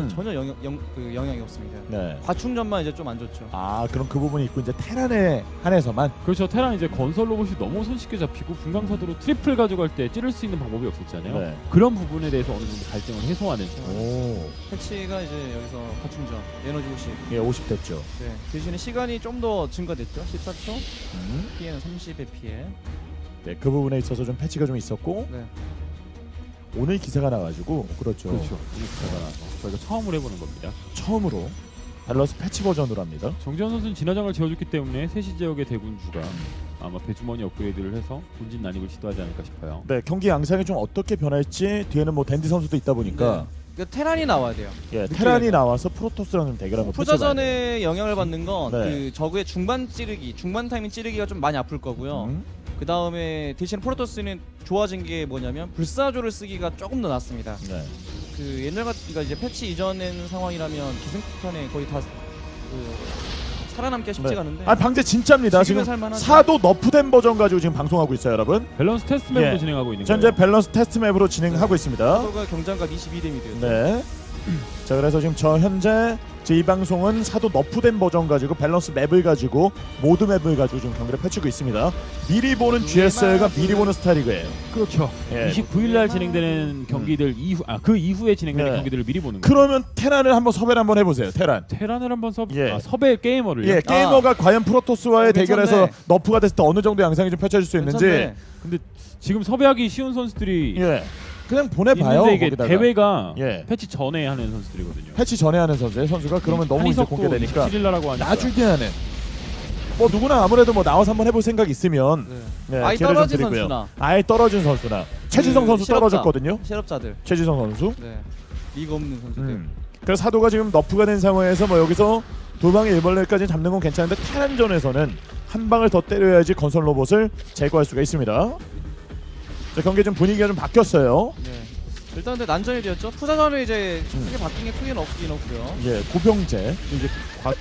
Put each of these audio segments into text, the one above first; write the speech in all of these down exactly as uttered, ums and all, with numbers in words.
전혀 영향, 영, 그 영향이 없습니다. 네. 과충전만 이제 좀 안 좋죠. 아 그럼 그 부분이 있고 이제 테란에 한해서만. 그렇죠. 테란 이제 건설 로봇이 너무 손쉽게 잡히고 분광사도로 트리플 가져갈 때 찌를 수 있는 방법이 없었잖아요. 네. 그런 부분에 대해서 어느 정도 갈등을 해소하는. 오. 패치가 이제 여기서 과충전 에너지 오십. 예, 오십 됐죠. 네. 대신에 시간이 좀 더 증가됐죠. 십사 초. 음. 피해는 삼십의 피해. 네, 그 부분에 있어서 좀 패치가 좀 있었고 네. 오늘 기사가 나가지고 그렇죠. 그렇죠. 이 기사가 나서 저희가 처음으로 해보는 겁니다. 처음으로 밸런스 패치 버전으로 합니다. 정지현 선수는 진화장을 지어줬기 때문에 세시 지역의 대군주가 아마 배주머니 업그레이드를 해서 본진 난입을 시도하지 않을까 싶어요. 네, 경기 양상이 좀 어떻게 변할지 뒤에는 뭐 댄디 선수도 있다 보니까 그러니까 테란이 나와야 돼요. 예, 테란이 나와서 프로토스랑 좀 대결하는 거 후자전에 영향을 받는 건 그 네. 저그의 중반 찌르기, 중반 타이밍 찌르기가 좀 많이 아플 거고요. 음. 그 다음에 대신 프로토스는 좋아진 게 뭐냐면 불사조를 쓰기가 조금 더 낫습니다. 네. 그 옛날 같, 그러니까 이제 패치 이전엔 상황이라면 기생폭탄에 거의 다 그 살아남기가 쉽지가 않은데. 아 방제 진짜입니다. 지금은 지금 살만하죠. 사도 너프된 버전 가지고 지금 방송하고 있어요, 여러분. 밸런스 테스트 맵으로 예. 진행하고 있는 현재 거예요. 밸런스 테스트 맵으로 진행하고 있습니다. 서로가 경장갑 이십이 대 미드였죠. 네. 자 그래서 지금 저 현재 제 이 방송은 사도 너프된 버전 가지고 밸런스 맵을 가지고 모드 맵을 가지고 지금 경기를 펼치고 있습니다. 미리 보는 지에스엘과 미리 보는 스타리그예요. 그렇죠. 예. 이십구 일 날 진행되는 경기들 이후 아 그 이후에 진행되는 네. 경기들을 미리 보는 거예요. 그러면 테란을 한번 섭외를 한번 해보세요. 테란. 테란을 한번 섭 예. 아, 섭외 게이머를요. 예, 게이머가 과연 프로토스와의 어, 대결에서 괜찮네. 너프가 됐을 때 어느 정도 양상이 좀 펼쳐질 수 있는지. 괜찮네. 근데 지금 섭외하기 쉬운 선수들이 예. 그냥 보내봐요. 있는데 이게 거기다가. 대회가 예. 패치 전에 하는 선수들이거든요. 패치 전에 하는 선수의 선수가 그러면 너무 이제 한희석도 공개되니까 이십칠 일 날라고 하니까. 나중에 하는. 뭐 누구나 아무래도 뭐 나와서 한번 해볼 생각 있으면 네. 네, 아예 기회를 좀 떨어진 드리고요. 선수나. 아예 떨어진 선수나 최지성 그 선수 실업자. 떨어졌거든요. 실업자들. 최지성 선수. 네. 리가 없는 선수들. 음. 그래서 사도가 지금 너프가 된 상황에서 뭐 여기서 두 방의 일벌레까지 잡는 건 괜찮은데 테란전에서는 한 방을 더 때려야지 건설 로봇을 제거할 수가 있습니다. 자, 경기 좀 분위기가 좀 바뀌었어요. 네. 일단 근데 난전이 되었죠. 투자전에 이제 크게 바뀐 게 크게는 없긴 없고요. 예, 고병재. 이제 과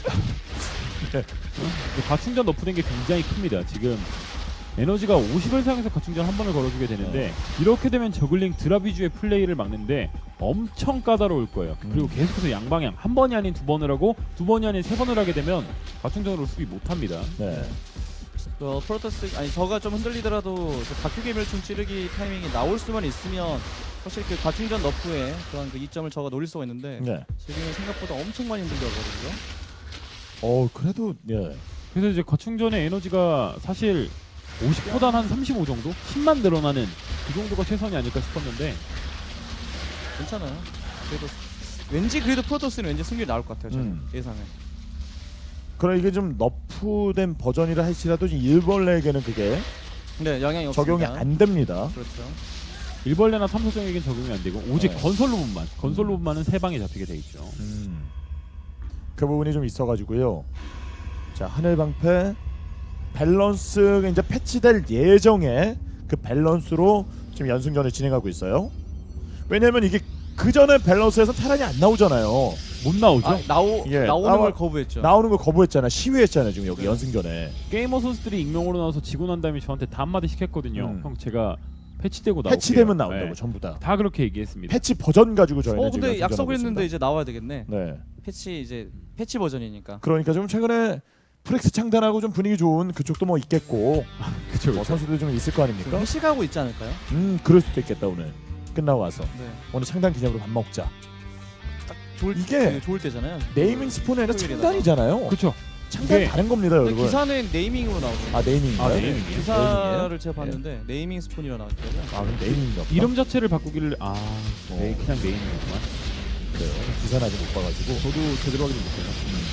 과충전 너프된 게 굉장히 큽니다. 지금 에너지가 오십을 사용해서 과충전 한 번을 걸어주게 되는데 이렇게 되면 저글링 드랍 위주의 플레이를 막는데 엄청 까다로울 거예요. 그리고 음. 계속해서 양방향 한 번이 아닌 두 번을 하고 두 번이 아닌 세 번을 하게 되면 과충전으로 수비 못합니다. 네. 어, 프로토스 아니 저가 좀 흔들리더라도 다큐 개멸충 찌르기 타이밍이 나올 수만 있으면 사실 그 과충전 너프에 그런 그 이점을 저가 노릴 수가 있는데 네. 지금은 생각보다 엄청 많이 흔들려거든요. 어, 그래도 예. 그래서 이제 과충전의 에너지가 사실 오십보단 한 삼십오 정도? 십만 늘어나는 그 정도가 최선이 아닐까 싶었는데 괜찮아요. 그래도 왠지 그래도 프로토스는 왠지 승률이 나올 것 같아요. 저는 음. 예상은. 그럼 이게 좀 너프된 버전이라 할지라도 지금 일벌레에게는 그게 네, 영향이 없습니다. 적용이 안 됩니다. 그렇죠. 일벌레나 탐사정에겐 적용이 안 되고 오직 네. 건설 로봇만 건설 로봇만은 세 방에 잡히게 돼 있죠. 음. 그 부분이 좀 있어가지고요. 자, 하늘 방패 밸런스 이제 패치될 예정의 그 밸런스로 지금 연승전을 진행하고 있어요. 왜냐면 이게 그 전에 밸런스에서 테란이 안 나오잖아요. 못 나오죠. 아, 나오 예, 나오는 나와- 걸 거부했죠. 나오는 거 거부했잖아. 시위했잖아요. 지금 여기 네. 연승전에. 게이머 선수들이 익명으로 나와서 지고 난 다음에 저한테 다 한마디 시켰거든요. 음. 형 제가 패치되고 나올게요. 패치되면 나온다고 네. 전부 다. 다 그렇게 얘기했습니다. 패치 버전 가지고 저희는 어 지금 근데 연승전하고 약속을 했는데 있습니다. 이제 나와야 되겠네. 네. 패치 이제 패치 버전이니까. 그러니까 좀 최근에 프렉스 창단하고 좀 분위기 좋은 그쪽도 뭐 있겠고 그쵸, 뭐 그쵸. 선수들 좀 있을 거 아닙니까? 회식하고 있지 않을까요? 음 그럴 수도 있겠다. 오늘 끝나고 와서 네. 오늘 창단 기념으로 밥 먹자. 좋을 이게 그 좋을 때잖아요. 네이밍 스폰이 아니라 토요일에다가. 창단이잖아요. 그쵸. 창단 이게- 다른 겁니다, 근데 여러분. 기사는 네이밍으로 나오죠. 아 네이밍인가요? 아, 네이밍이에요? 기사를 제가 봤는데 네이밍 스폰이라 나왔더라고요. 아 그럼 네이밍인가 보다. 이름 자체를 바꾸기를 아 어. 네, 그냥 메인이구만. 그래요. 기사는 아직 못 봐가지고. 저도 제대로 확인 못해요.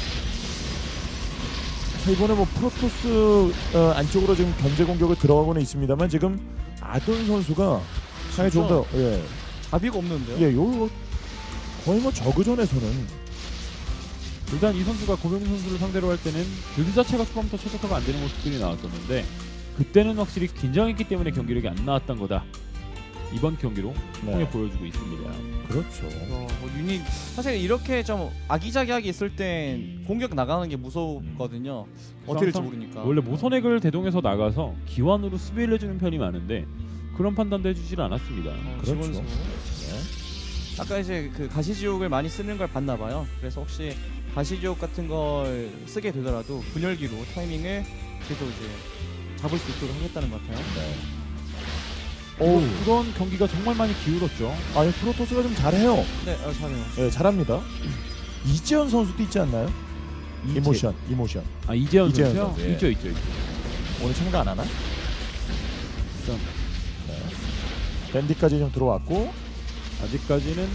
자, 이번에 뭐 프로토스 어, 안쪽으로 지금 견제 공격을 들어가고는 있습니다만 지금 아돈 선수가 상당히 좀 더 예, 자비가 없는데요. 예, 요 거의 뭐 저그전에서는 일단 이 선수가 고병민 선수를 상대로 할 때는 빌드 자체가 초반부터 최적화가 안 되는 모습들이 나왔었는데 그때는 확실히 긴장했기 때문에 경기력이 안 나왔던 거다. 이번 경기로 통해 네. 보여주고 있습니다. 그렇죠. 어, 뭐 유닛 사실 이렇게 좀 아기자기하게 있을 땐 공격 나가는 게 무섭거든요. 어떻게 될지 항상 모르니까. 원래 모선액을 대동해서 나가서 기완으로 수비를 해주는 편이 많은데 그런 판단도 해주질 않았습니다. 어, 그렇죠. 지원수. 네. 아까 이제 그 가시지옥을 많이 쓰는 걸 봤나 봐요. 그래서 혹시 가시지옥 같은 걸 쓰게 되더라도 분열기로 타이밍을 계속 이제 잡을 수 있도록 하겠다는 것 같아요. 오, 그런 경기가 정말 많이 기울었죠. 아니 프로토스가 좀 잘해요. 네, 어, 잘해요. 예, 잘합니다. 이재현 선수도 있지 않나요? 이제- 이모션, 이모션. 아 이재현, 이재현 선수요? 선수, 예. 있죠, 있죠, 있죠. 오늘 참가 안 하나? 일단 네. 밴디까지 좀 들어왔고, 아직까지는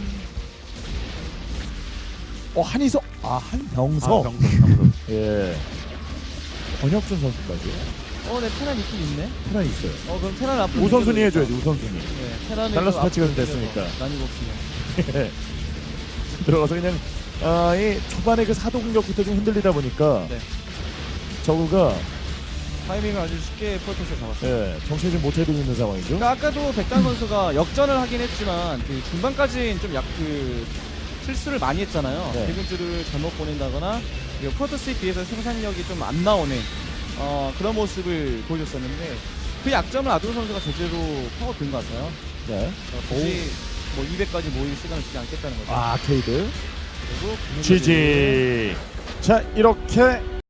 어 한희석, 아 한병석, 아, 병석, 병석. 예. 권혁준 선수까지 어, 네, 테란 있긴 있네. 테란이 있어요. 어, 그럼 테란 앞으로 우선순위 당겨도 해줘야지 우선순위. 네, 테란을 달라스 좀 패치가 좀 앞으로 됐으니까. 당겨서 난이도 없으면. 예. 들어가서 그냥 아, 이 초반에 그 사도 공격부터 좀 흔들리다 보니까 네. 저구가 타이밍을 아주 쉽게 프로토스에 잡았어요. 예, 정신을 좀 못 차리고 있는 상황이죠. 그러니까 아까도 백단 선수가 역전을 하긴 했지만 그 중반까지는 좀 약 그 실수를 많이 했잖아요. 네. 대군주를 잘못 보낸다거나 그리고 프로토스에 비해서 생산력이 좀 안 나오는 어, 그런 모습을 보여줬었는데 그 약점을 아두로 선수가 제대로 파고든 것 같아요. 네. 어, 굳이 뭐 이백까지 모일 시간을 주지 않겠다는 거죠. 아, 아케이드. 그리고 지지. 자, 이렇게